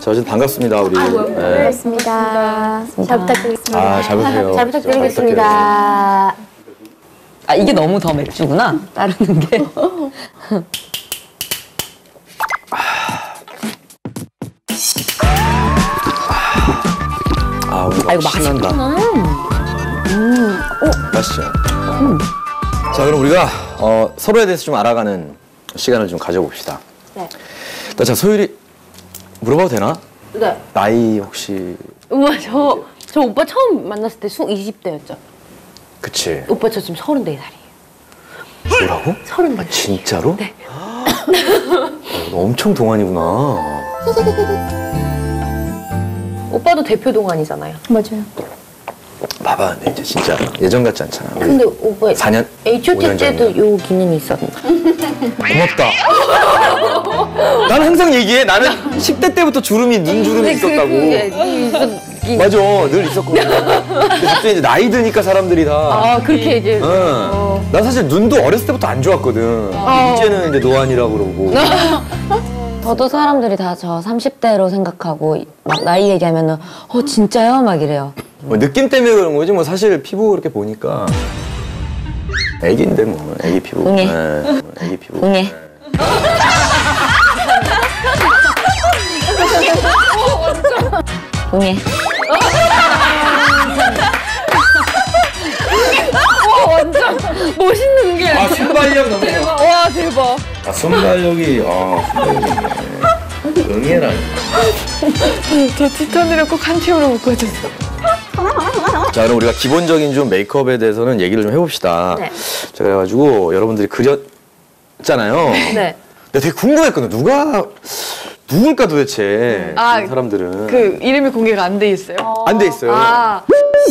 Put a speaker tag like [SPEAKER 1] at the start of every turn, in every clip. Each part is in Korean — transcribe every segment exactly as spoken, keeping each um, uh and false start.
[SPEAKER 1] 자, 어쨌든 반갑습니다, 우리.
[SPEAKER 2] 아이고,
[SPEAKER 1] 네.
[SPEAKER 2] 반갑습니다. 잘 부탁드리겠습니다.
[SPEAKER 1] 아, 잘 보세요.
[SPEAKER 2] 잘 부탁드리겠습니다.
[SPEAKER 3] 아, 이게 너무 더 맥주구나, 따르는 게.
[SPEAKER 1] 아, 오늘
[SPEAKER 3] 아, 이거
[SPEAKER 1] 신난다.
[SPEAKER 3] 음.
[SPEAKER 1] 맛있죠? 음. 자, 그럼 우리가 어, 서로에 대해서 좀 알아가는 시간을 좀 가져봅시다.
[SPEAKER 2] 네.
[SPEAKER 1] 일단 자, 소율이 물어봐도 되나?
[SPEAKER 2] 네.
[SPEAKER 1] 나이 혹시...
[SPEAKER 2] 우와, 저, 저 오빠 처음 만났을 때 이십 대였죠?
[SPEAKER 1] 그치.
[SPEAKER 2] 오빠 저 지금 서른네 살이에요.
[SPEAKER 1] 뭐라고?
[SPEAKER 2] 서른네 살.
[SPEAKER 1] 진짜로?
[SPEAKER 2] 네.
[SPEAKER 1] 어, 너 엄청 동안이구나.
[SPEAKER 2] 오빠도 대표 동안이잖아요. 맞아요.
[SPEAKER 1] 봐봐, 근데 이제 진짜 예전 같지 않잖아. 우리
[SPEAKER 2] 근데 오빠
[SPEAKER 1] 사 년?
[SPEAKER 2] 에이치 오 티 때도 요 기능이 있었는데.
[SPEAKER 1] 고맙다. 나는 항상 얘기해. 나는 십 대 때부터 주름이, 눈주름이 있었다고. 맞아, 늘 있었거든. 근데 갑자기 이제 나이 드니까 사람들이 다.
[SPEAKER 2] 아, 그렇게 이제.
[SPEAKER 1] 응. 어. 난 사실 눈도 어렸을 때부터 안 좋았거든.
[SPEAKER 2] 어.
[SPEAKER 1] 이제는 이제 노안이라고 그러고.
[SPEAKER 3] 저도 사람들이 다 저 삼십 대로 생각하고 막 나이 얘기하면은 어 진짜요? 막 이래요.
[SPEAKER 1] 뭐 느낌 때문에 그런 거지 뭐 사실 피부 그렇게 보니까 애기인데 뭐 애기 피부.
[SPEAKER 3] 응애.
[SPEAKER 1] 네. 애기 피부.
[SPEAKER 3] 응애.
[SPEAKER 1] 네.
[SPEAKER 3] 응애.
[SPEAKER 2] 와, 완전 멋있는 게.
[SPEAKER 1] 아, 순발력 너무 좋아.
[SPEAKER 2] 와, 대박.
[SPEAKER 1] 아, 순발력이, 아, 순발력이 있네. 응애라니.
[SPEAKER 2] 저 티턴이를 꼭 한 팀으로 묶어주세요.
[SPEAKER 1] 자, 그럼 우리가 기본적인 좀 메이크업에 대해서는 얘기를 좀 해봅시다.
[SPEAKER 2] 네.
[SPEAKER 1] 자, 그래가지고 여러분들이 그렸잖아요.
[SPEAKER 2] 네.
[SPEAKER 1] 근데 되게 궁금했거든. 누가, 누굴까 도대체,
[SPEAKER 4] 아,
[SPEAKER 1] 이 사람들은.
[SPEAKER 4] 그 이름이 공개가 안 돼 있어요.
[SPEAKER 1] 안 돼 있어요.
[SPEAKER 4] 아,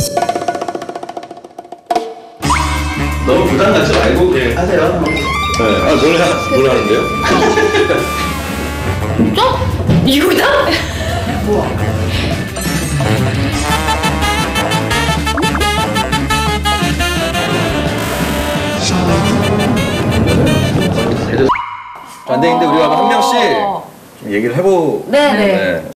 [SPEAKER 1] 너무 부담 갖지 말고 그냥 하세요. 네. 아, 노래, 노래 하는데요?
[SPEAKER 2] 이거다?
[SPEAKER 1] 안 되는데 우리가 한 명씩 좀 얘기를 해보.
[SPEAKER 2] 네네.
[SPEAKER 1] 네.